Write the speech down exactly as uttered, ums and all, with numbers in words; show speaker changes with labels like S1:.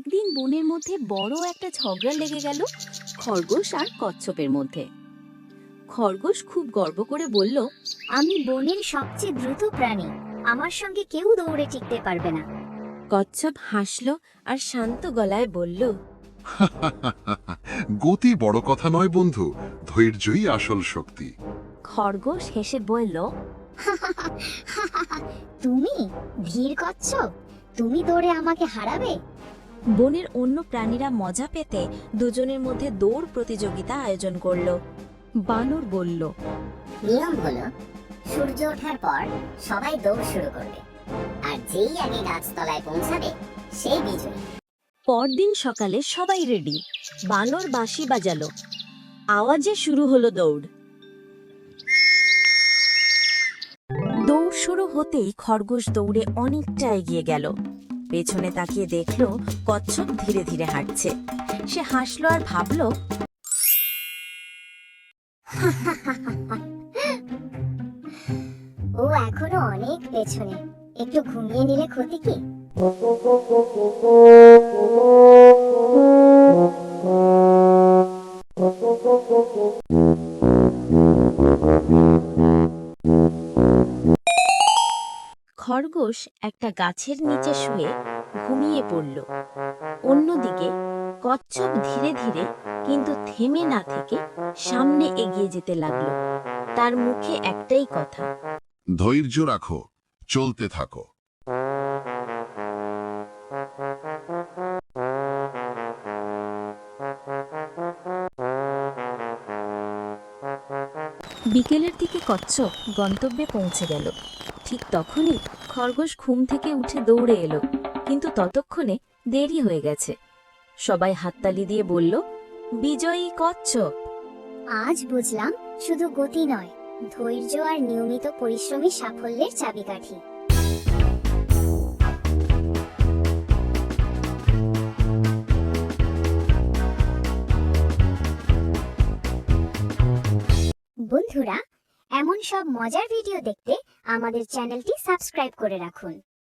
S1: একদিন বনের মধ্যে বড় একটা ঝগড়া লেগে গেল খরগোশ আর কচ্ছপের মধ্যে। খরগোশ খুব গর্ব করে বলল,
S2: আমি বনের সবচেয়ে দ্রুত প্রাণী, আমার সঙ্গে কেউ দৌড়ে টিকতে পারবে না।
S1: কচ্ছপ হাসল আর শান্ত গলায় বলল,
S3: গতি বড় কথা নয় বন্ধু, ধৈর্যই আসল শক্তি।
S1: খরগোশ হেসে বলল,
S2: তুমি ধীর কচ্ছপ, তুমি দৌড়ে আমাকে হারাবে?
S1: বনের অন্য প্রাণীরা মজা পেতে দুজনের মধ্যে দৌড় প্রতিযোগিতা আয়োজন করল। বানর বলল,
S4: নিয়ম হলো সূর্য ওঠার পর সবাই দৌড় শুরু করবে, আর যেই আগে গাছতলায় পৌঁছাবে সেই বিজয়ী।
S1: পরদিন সকালে সবাই রেডি। বানর বাঁশি বাজালো, আওয়াজে শুরু হলো দৌড়। দৌড় শুরু হতেই খরগোশ দৌড়ে অনেকটা এগিয়ে গেল। পেছনে তাকিয়ে দেখলো কচ্ছপ ধীরে ধীরে হাঁটছে। সে হাসলো আর ভাবলো,
S4: ও এখনো অনেক পেছনে, একটু ঘুমিয়ে নিলে ক্ষতি কি?
S1: খরগোশ একটা গাছের নিচে শুয়ে ঘুমিয়ে পড়ল। অন্যদিকে কচ্ছপ ধীরে ধীরে কিন্তু থেমে না থেকে সামনে এগিয়ে যেতে লাগলো। তার মুখে একটাই কথা,
S3: ধৈর্য রাখো, চলতে থাকো।
S1: বিকেলের দিকে কচ্ছপ গন্তব্যে পৌঁছে গেল। ঠিক তখনই খরগোশ ঘুম থেকে উঠে দৌড়ে এলো, কিন্তু ততক্ষণে দেরি হয়ে গেছে। সবাই হাততালি দিয়ে বলল, বিজয়ী কচ্ছপ।
S2: আজ বুঝলাম শুধু গতি নয়, ধৈর্য আর নিয়মিত পরিশ্রমী সাফল্যের চাবিকাঠি। বন্ধুরা, এমন সব মজার ভিডিও দেখতে আমাদের চ্যানেলটি সাবস্ক্রাইব করে রাখুন।